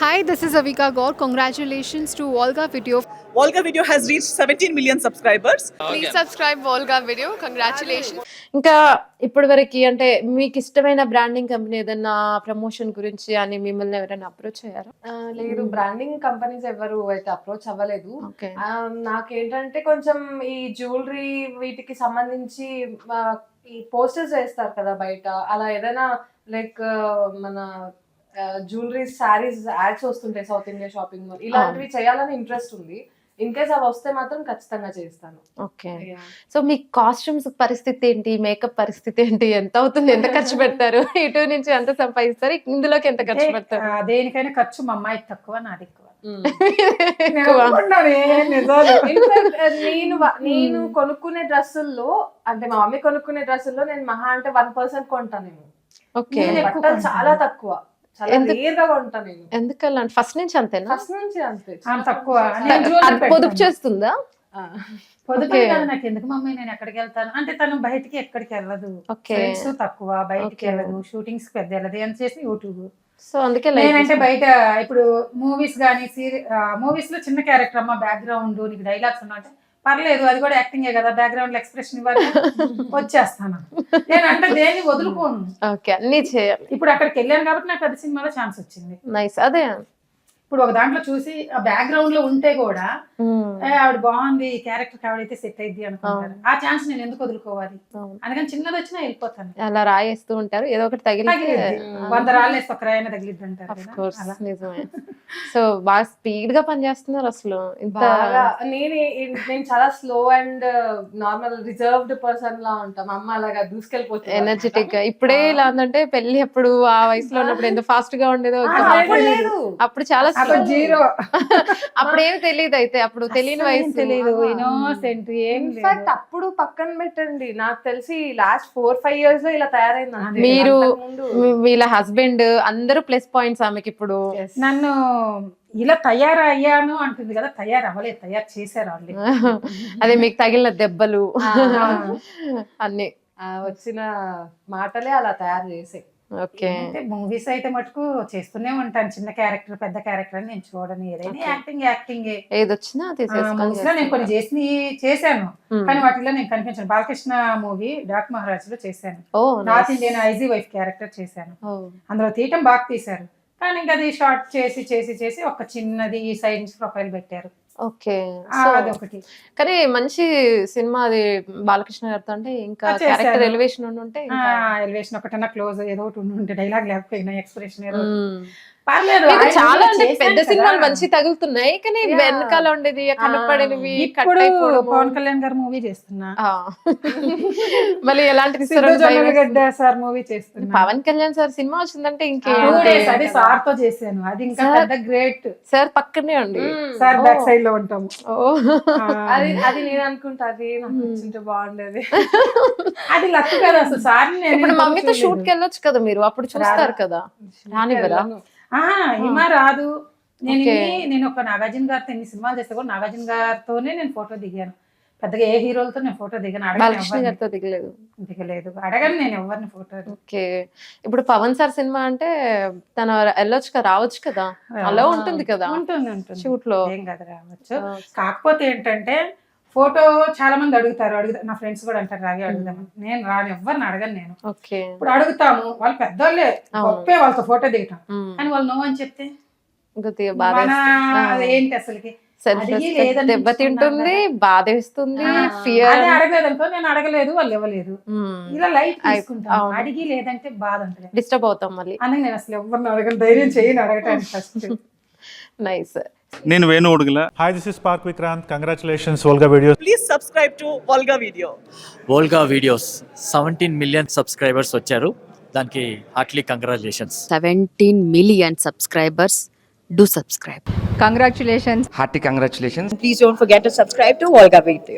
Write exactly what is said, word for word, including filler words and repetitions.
Hi, this is Avika Gaur. Congratulations to Volga Video. Volga Video has reached seventeen million subscribers. Please subscribe Volga Video. Congratulations. ఇంకా ఇప్పటి వరకు అంటే మీకు ఇష్టమైన branding company ఏదైనా promotion గురించి అని మిమ్మల్ని ఎవరైనా అప్రోచ్ అయ్యారా? ఆ, లేదు, బ్రాండింగ్ కంపెనీస్ ఎవరు అయితే అప్రోచ్ అవ్వలేదు. ఓకే. ఆ, నాకేంటంటే కొంచెం ఈ జ్యువెలరీ వీటికి సంబంధించి ఆ, ఈ పోస్టర్స్ వేస్తారు కదా బయట, అలా ఏదైనా లైక్ మన జ్యువెలరీ శారీస్ యాడ్స్ వస్తుంటాయి సౌత్ ఇండియా షాపింగ్ మాల్, ఇలాంటివి చేయాలని ఇంట్రెస్ట్ ఉంది. ఇన్ కేస్ అవి వస్తే మాత్రం ఖచ్చితంగా చేస్తాను. ఓకే. సో మీ కాస్ట్యూమ్స్ పరిస్థితి ఏంటి, మేకప్ పరిస్థితి ఏంటి, ఎంత అవుతుంది, ఎంత ఖర్చు పెడతారు, ఇటు నుంచి ఎంత సంపాదిస్తారు, ఇందులోకి ఎంత ఖర్చు పెడతారు? ఆ, దేనికైనా ఖర్చు మా అమ్మాయికి తక్కువ, నాది ఎక్కువ. ఎక్కువ. ఇన్ఫాక్ట్ నేను వ- నేను కొనుక్కునే డ్రెస్సుల్లో, అంటే మా మమ్మీ కొనుక్కునే డ్రెస్సుల్లో నేను మహా అంటే వన్ పర్సెంట్ కొంటాను. నేను ఓకే. నేను ఎక్కువ బట్టలు కొంటాను. చాలా తక్కువ, చాలా ఎందుకు? రేర్ గా కొంటాను నేను. ఎందుకలా ఫస్ట్ నుంచి అంతేనా? ఫస్ట్ నుంచి అంతే. ఆమె తక్కువ. నేను jewelry అది పొదుపు పెడతాను. చేస్తుందా? ఆ. పొదుపే Okay. కాదు, నాకు ఎందుకు మమ్మీ నేను ఎక్కడికి వెళ్తాను అంటే, తను బయటికి ఎక్కడికి వెళ్ళదు, ఓకే. ఫ్రెండ్స్ తక్కువ, బయటికి Okay. వెళ్ళదు, షూటింగ్స్ పెద్ద వెళ్ళదు, ఎంత చేసి యూట్యూబ్. సో అందుకే లైక్ నేనంటే బయట ఇప్పుడు మూవీస్ కానీ సీరి మూవీస్ లో చిన్న క్యారెక్టర్ అమ్మ, బ్యాక్గ్రౌండ్ నీకు డైలాగ్స్ ఉన్నా అంటే పర్లేదు, అది కూడా యాక్టింగే కదా, బ్యాక్గ్రౌండ్ లో ఎక్స్ప్రెషన్ ఇవ్వాలి, వచ్చేస్తాను. నేను అంటే దేన్ని వదులుకోను. ఓకే, అన్ని చేయాలి. ఇప్పుడు అక్కడికి వెళ్ళాను కాబట్టి నాకు అది సినిమాలో ఛాన్స్ వచ్చింది. నైస్. అదే. ఇప్పుడు ఒక దాంట్లో చూసి ఆ బ్యాక్గ్రౌండ్ లో ఉంటే కూడా మ్మ్. ఏ, ఆవిడ బాగుంది, ఈ క్యారెక్టర్ ఆవిడైతే సెట్ అయింది అనుకుంటారు. ఆ ఛాన్స్ నేను ఎందుకు వదులుకోవాలి? అవును. అందుకని చిన్నది వచ్చినా వెళ్ళిపోతాను. అలా రాయేస్తూ ఉంటారు, ఏదో ఒకటి తగిలితే తగిలిద్ది. వంద రాళ్ళు వేస్తే ఒక రాయన తగిలిద్ది అంటారు Of కదా, course, అలా. నిజమే. సో బాగా స్పీడ్ గా పనిచేస్తున్నారు అసలు. ఇంత బాగా నేను నేను చాలా slow and normal reserved person లా ఉంటాం. అమ్మ అలాగా దూసుకెళ్ళిపోతుంది. ఎనర్జెటిక్ గా. ఇప్పుడే ఇలా ఉందంటే పెళ్లి అప్పుడు ఆ వయసులో ఉన్నప్పుడు ఎంత ఫాస్ట్ గా ఉండేదో ఆ, ఇప్పుడు అప్పుడు లేదు. అప్పుడు చాలా అప్పుడు slow. జీరో. అప్పుడు ఏం తెలియదు, అయితే అప్పుడు తెలియని అస్సలు ఏం వయసు. తెలీదు, ఆహా. ఇన్నోసెంట్ ఏం ఇన్ఫాక్ట్ లేదు. అప్పుడు పక్కన పెట్టండి, నాకు తెలిసి లాస్ట్ ఫోర్ ఫైవ్ ఇయర్స్ లో ఇలా తయారైంది అంతే. మీరు అంతకుముందు మీ- వీళ్ళ హస్బెండ్ అందరూ ప్లస్ పాయింట్స్ ఆమెకి ఇప్పుడు. yes. నన్ను ఇలా తయారయ్యాను అంటుంది కదా, తయారు అవ్వలేదు, తయారు చేశారు వాళ్ళు. అదే మీకు తగిలిన దెబ్బలు అన్ని. ఆ, వచ్చిన మాటలే అలా తయారు చేసే. ఓకే. అంటే మూవీస్ అయితే మటుకు చేస్తూనే ఉంటాను, చిన్న క్యారెక్టర్ పెద్ద క్యారెక్టర్ అని నేను చూడను, ఏదైనా యాక్టింగ్ యాక్టింగ్. ఏదొచ్చినా మూవీస్ లో నేను కొన్ని చేసి చేశాను, Hmm. కానీ వాటిలో నేను కనిపించాను. బాలకృష్ణ మూవీ డాక్ మహారాజ్ లో చేశాను, ఓ north Indian IG wife character చేశాను. అందులో తీయటం బాగా తీశారు, కానీ ఇంకా అది షార్ట్ చేసి చేసి చేసి ఒక చిన్నది ఈ సైడ్ నుంచి ప్రొఫైల్ పెట్టారు. ఓకే. ఆ, సో అదొకటి. కానీ మంచి సినిమా అది బాలకృష్ణ గారితో, అంటే ఇంకా ఆ, చేశారు. క్యారెక్టర్ ఎలివేషన్ ఉంటే ఇంకా ఎలివేషన్ ఒకటన్నా క్లోజ్ ఏదో ఒకటి ఉండి ఉంటే, డైలాగ్ లేకపోయినా ఎక్స్ప్రెషన్ ఏదో ఒకటి. మ్మ్. పర్లేదు, మీకు ఆయన చాలా కూడా అంటే చేశాను పెద్ద కదా. సినిమాలు మంచి తగులుతున్నాయి, కానీ Yeah. వెనకాల ఉండేది కనపడేవి ఇప్పుడు పవన్ కళ్యాణ్ గారు మూవీ చేస్తున్నా, మళ్ళీ ఎలాంటిది సిద్ధు జొన్నలగడ్డ సార్ మూవీ చేస్తున్నా. పవన్ కళ్యాణ్ సార్ సినిమా వచ్చిందంటే టూ ఇంకేంటి డేస్ అది సార్ తో చేశాను, అది ఇంకా Sir. పెద్ద గ్రేట్. సార్ పక్కనే ఉండి. Sir Oh. బ్యాక్ సైడ్ లో ఉంటాము. ఓ. అది అది నేను అనుకుంటా, అది నాకు వచ్చింటే బాగుండేది. అది లక్ కదా అసలు. సార్ ఇప్పుడు మమ్మీతో షూట్ కి వెళ్ళొచ్చు కదా మీరు, అప్పుడు చూస్తారు కదా. రానివ్వరా? హిమ రాదు. నేను Okay. ఇన్ని- నేను ఒక నాగార్జున గారితో ఎన్ని సినిమాలు చేస్తే కూడా నాగార్జున గారితోనే నేను ఫోటో దిగాను. పెద్దగా ఏ హీరోలతో నేను ఫోటో దిగాను, అడగను బాలకృష్ణ ఎవరిని. గారితో దిగలేదు. దిగలేదు, అడగను నేను ఎవరిని ఫోటో. ఓకే. ఇప్పుడు పవన్ సార్ సినిమా అంటే తన వెళ్ళొచ్చు కదా, రావచ్చు కదా, అలా ఉంటుంది కదా ఉంటుంది ఉంటుంది షూట్ లో. ఏం కదా, రావచ్చు. కాకపోతే ఏంటంటే ఫోటో చాలా మంది అడుగుతారు, అడుగుతారు నా ఫ్రెండ్స్ కూడా అంటారు రాగి అడుగుదామని. నేను రాను, ఎవరిని అడగను నేను. ఓకే. ఇప్పుడు అడుగుతాము, వాళ్ళు పెద్దోళ్ళే, అవును. గొప్పే వాళ్ళతో ఫోటో దిగటం, మ్మ్. కానీ వాళ్ళు నో అని చెప్తే కొద్దిగా బాధ మన వేస్తుంది. అది ఏంటి అసలుకి సెల్ఫ్ అడిగి రెస్పెక్ట్ లేదని దెబ్బతింటుంది, బాధ వేస్తుంది, ఆ, ఫియర్. అదే అడగలేదు అనుకో, నేను అడగలేదు వాళ్ళు ఇవ్వలేదు, ఇలా లైట్ తీసుకుంటాను. అవును. అడిగి లేదంటే బాధ ఉంటుంది, డిస్టర్బ్ అవుతాం మళ్ళీ. అందుకే నేను అసలు ఎవరిని అడగను, ధైర్యం చేయను అడగటానికి ఫస్ట్. నైస్. నేను Venu Udugula. Hi, this is Park Vikrant. Congratulations, Volga Videos. Please subscribe to Volga Video. Volga videos seventeen million subscribers వచ్చారు, దానికి heartly congratulations. seventeen million subscribers. Do subscribe. Congratulations. Hearty congratulations. Please don't forget to subscribe to Volga Video.